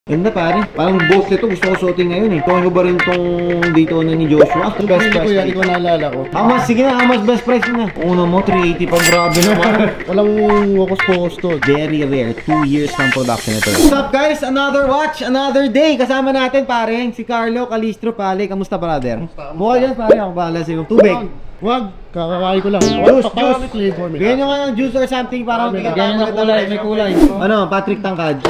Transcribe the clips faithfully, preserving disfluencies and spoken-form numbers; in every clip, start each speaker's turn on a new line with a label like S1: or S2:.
S1: Ganda pare. Parang both nito gusto ko suotin ngayon eh. Tuwan ko ba rin tong Daytona ni Joshua?
S2: Best
S1: Best
S2: price ko
S1: price.
S2: yan, hindi ko naalala ko.
S1: How much? Sige na, how much best price mo na? Una mo, three eighty pa. Grabe naman.
S2: Walang wakos-pokos to.
S1: Very rare. Two years ng production ito. What's up guys? Another watch, another day. Kasama natin pare, si Carlo Calistro Pale. Kamusta brother? Mukha dyan pare, ako bahala sa'yo. Tubig.
S2: Wag, kakakain ko lang.
S1: Juice,
S2: Para
S1: juice.
S2: may flavor. may
S1: Bigyan nyo nga ng juice or something para
S2: May
S1: bigyan
S2: may kulay, may kulay.
S1: Ano, Patrick Tangkad.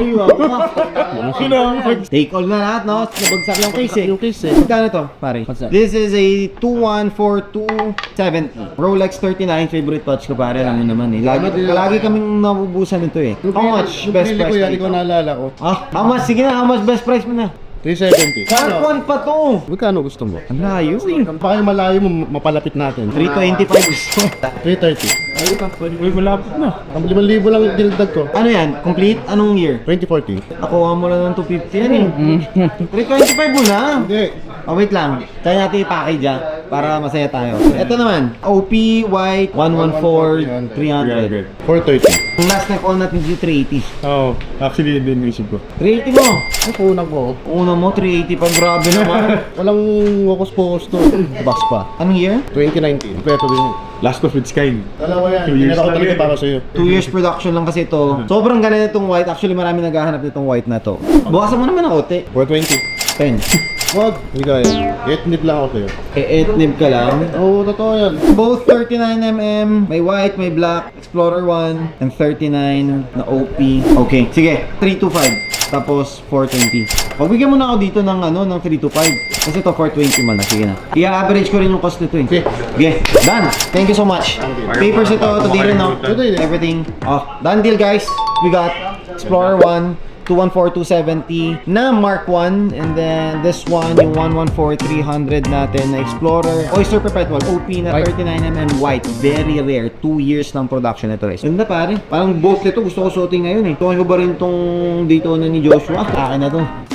S1: Take all na lahat, no? Nabagsak yung case eh.
S2: Yung case eh.
S1: Magkano to, pare?
S2: What's that?
S1: This is a two one four two seventy. Rolex thirty-nine, favorite watch ko pare. Alam mo naman eh. Lagi, lagi kaming nabubusan nito eh. How much
S2: Yung
S1: best
S2: pinili
S1: price?
S2: ko yan,
S1: mo
S2: hindi ko
S1: ito?
S2: naalala ko.
S1: Ah, how much? Sige na, how much best price mo na?
S2: three seventy.
S1: Sharp one pa to!
S2: Magkano gusto mo?
S1: Ang layo eh.
S2: Baka yung malayo mo, mapalapit natin.
S1: three twenty-five gusto.
S2: three thirty.
S3: Ay, uy, malapit na.
S2: Ang limang libo lang dinagdag ko.
S1: Ano yan? Complete? Anong year?
S2: twenty fourteen.
S1: Nakuha mo lang ng two fifty yan eh. three twenty-five mo na.
S2: Hindi.
S1: Oh, wait lang. Kaya natin i-package ah, para masaya tayo. Ito naman, O P White one one four three hundred.
S2: four thirty.
S1: Ang last na call natin dito three eighty.
S3: Oo, oh, actually yun din yung isip ko.
S1: three eighty mo!
S2: Ay, kunang ko.
S1: Una mo, three eighty pa. Grabe naman.
S2: Walang wakos-pokos to. Box pa.
S1: Anong year?
S2: twenty nineteen. Pweto din.
S3: Last of its kind.
S2: Dalawa yan.
S3: Two years
S2: Tinira ko
S3: lang
S2: talaga
S3: yan.
S2: para sa'yo.
S1: Two years production lang kasi ito. Sobrang ganda nitong white. Actually, marami naghahanap nitong white na to. Bukasan mo naman ang ote.
S2: four twenty.
S1: ten.
S2: Wag. Hindi kaya. eight nip lang ako sa'yo.
S1: Eh, eight nib ka lang.
S2: Oo, totoo yan.
S1: Both thirty-nine millimeter, may white, may black, Explorer one, and thirty-nine na O P. Okay, sige, three twenty-five. Tapos four twenty. Pagbigyan mo na ako dito ng ano, ng three twenty-five. Kasi to four twenty man na, sige na. I-average ko rin yung cost nito eh.
S2: Okay.
S1: Okay, done. Thank you so much. Papers ito, ito din rin, no?
S2: Ito din eh.
S1: Everything. Oh, done deal guys. We got Explorer one, two one four two seventy na Mark one, and then this one yung one one four three hundred natin na Explorer Oyster Perpetual O P na thirty-nine millimeter white, very rare. Two years ng production ito guys. Ganda pare, parang both nito gusto ko suotin ngayon eh. Tuwan ko ba rin tong Daytona ni Joshua? Akin na to.